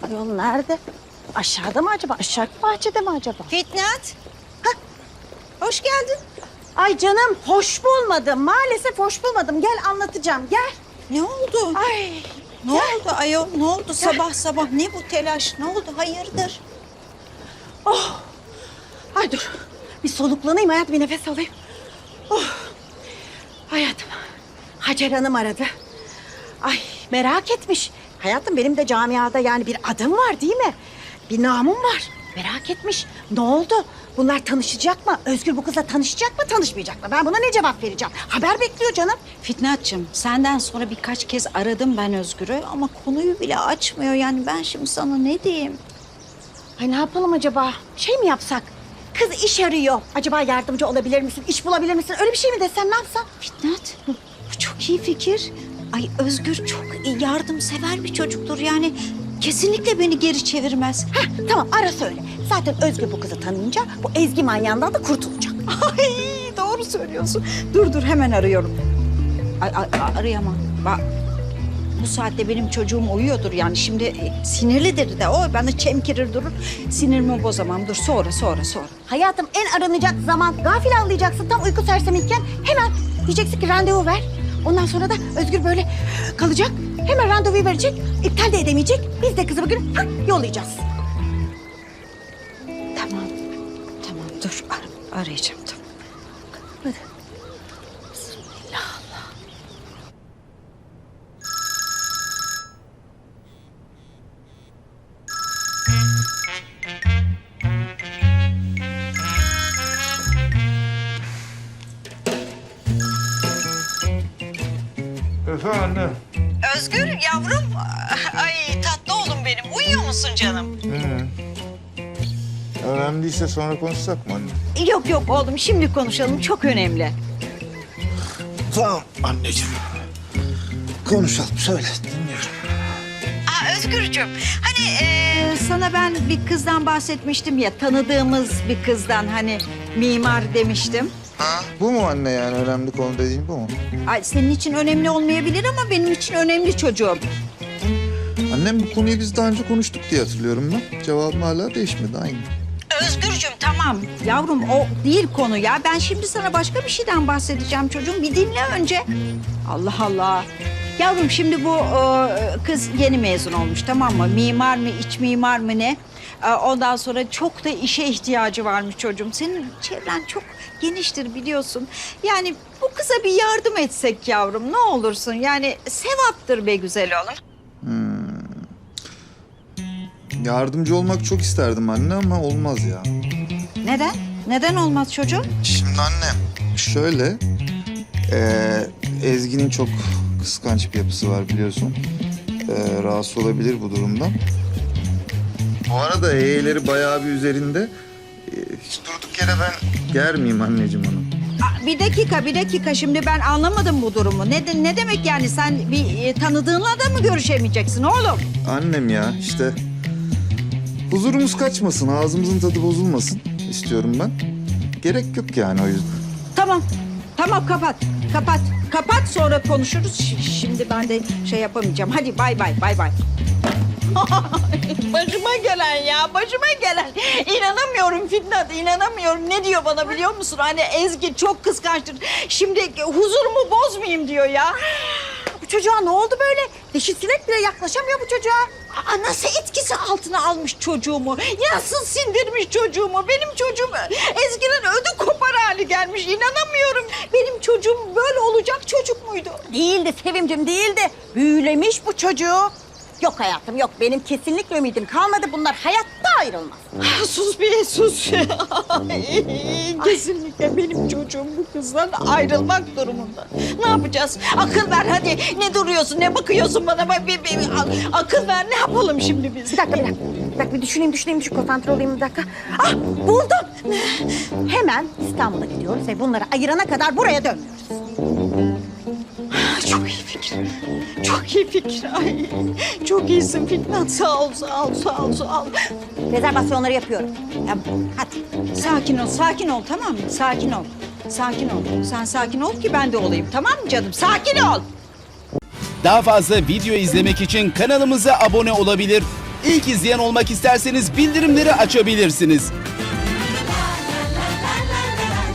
Yol nerede? Aşağıda mı acaba? Aşağı bahçede mi acaba? Fitnat. Hoş geldin. Ay canım hoş bulmadım. Maalesef hoş bulmadım. Gel anlatacağım. Gel. Ne oldu? Ay. Ne oldu ayol? Ne oldu sabah sabah? Ne bu telaş? Ne oldu? Hayırdır? Oh. Ay dur. Bir soluklanayım hayatım. Bir nefes alayım. Oh. Hayatım. Hacer Hanım aradı. Ay merak etmiş. Hayatım benim de camiada yani bir adım var değil mi? Bir namım var. Merak etmiş. Ne oldu? Bunlar tanışacak mı? Özgür bu kızla tanışacak mı, tanışmayacak mı? Ben buna ne cevap vereceğim? Haber bekliyor canım. Fitnatçığım, senden sonra birkaç kez aradım ben Özgür'ü ama konuyu bile açmıyor. Yani ben şimdi sana ne diyeyim? Ay ne yapalım acaba? Şey mi yapsak? Kız iş arıyor. Acaba yardımcı olabilir misin? İş bulabilir misin? Öyle bir şey mi desem, ne yapsam? Fitnat, bu çok iyi fikir. Ay Özgür çok yardımsever bir çocuktur yani. Kesinlikle beni geri çevirmez. Heh, tamam ara söyle. Zaten Özgür bu kızı tanıyınca bu Ezgi manyağından da kurtulacak. Ay doğru söylüyorsun. Dur hemen arıyorum. Arayamam. Bak bu saatte benim çocuğum uyuyordur yani. Şimdi sinirlidir de o bana çemkirir durur. Sinirimi bozamam. Dur sonra. Hayatım en aranacak zaman gafil anlayacaksın. Tam uyku sersemiyken hemen diyeceksin ki randevu ver. Ondan sonra da Özgür böyle kalacak. Hemen randevuyu verecek. İptal de edemeyecek. Biz de kızı bugün yollayacağız. Tamam dur arayacağım tamam. Hadi. Bismillah. Efendim. Özgür yavrum. Ay tatlı oğlum benim. Uyuyor musun canım? Önemli değilse sonra konuşsak mı anne? Yok oğlum şimdi konuşalım. Çok önemli. Tamam anneciğim. Konuşalım söyle dinliyorum. Özgürcüğüm hani sana ben bir kızdan bahsetmiştim ya, tanıdığımız bir kızdan, hani mimar demiştim. Ha? Bu mu anne yani önemli konu dediğin bu mu? Ay senin için önemli olmayabilir ama benim için önemli çocuğum. Annem bu konuyu biz daha önce konuştuk diye hatırlıyorum ben. Cevabım hala değişmedi aynı. Özgürcüğüm tamam yavrum, o değil konu ya. Ben şimdi sana başka bir şeyden bahsedeceğim çocuğum. Bir dinle önce. Allah Allah. Yavrum şimdi bu kız yeni mezun olmuş, tamam mı? Mimar mı, iç mimar mı ne? Ondan sonra çok da işe ihtiyacı varmış çocuğum. Senin çevren çok geniştir biliyorsun. Yani bu kıza bir yardım etsek yavrum, ne olursun. Yani sevaptır be güzel oğlum. Yardımcı olmak çok isterdim anne ama olmaz ya. Neden? Neden olmaz çocuğum? Şimdi anne şöyle... Ezgi'nin çok kıskanç bir yapısı var biliyorsun. Rahatsız olabilir bu durumdan. Bu arada E'leri bayağı bir üzerinde. Hiç durduk yere ben germeyeyim anneciğim onu. Bir dakika. Şimdi ben anlamadım bu durumu. Ne demek yani? Sen bir tanıdığınla da mı görüşemeyeceksin oğlum? Annem ya işte huzurumuz kaçmasın, ağzımızın tadı bozulmasın istiyorum ben. Gerek yok yani o yüzden. Tamam kapat sonra konuşuruz. Şimdi ben de şey yapamayacağım. Hadi bay bay. Başıma gelen. İnanamıyorum Fitnat, inanamıyorum. Ne diyor bana biliyor musun? Hani Ezgi çok kıskançtır. Şimdi huzurumu bozmayayım diyor ya. Bu çocuğa ne oldu böyle? Dişi sinek bile yaklaşamıyor bu çocuğa. Nasıl etkisi altına almış çocuğumu? Nasıl sindirmiş çocuğumu? Benim çocuğum Ezgi'nin ödü kopar hali gelmiş. İnanamıyorum. Benim çocuğum böyle olacak çocuk muydu? Değildi Sevimcim, değildi. Büyülemiş bu çocuğu. Yok hayatım yok. Benim kesinlikle ümidim kalmadı. Bunlar hayatta ayrılmaz. Sus bir sus. Kesinlikle benim çocuğum bu kızdan ayrılmak durumunda. Ne yapacağız? Akıl ver hadi. Ne duruyorsun? Ne bakıyorsun bana? Akıl ver, ne yapalım şimdi biz? Bir dakika bir düşüneyim. Konsantre olayım bir dakika. Ah buldum. Hemen İstanbul'a gidiyoruz ve bunları ayırana kadar buraya dönmüyoruz. Çok iyi fikir. Ay, çok iyisin Fitnat. Sağ ol. Rezervasyonları yapıyorum. Ya, hadi. Sakin ol tamam mı? Sakin ol. Sen sakin ol ki ben de olayım, tamam mı canım? Sakin ol. Daha fazla video izlemek için kanalımıza abone olabilir. İlk izleyen olmak isterseniz bildirimleri açabilirsiniz.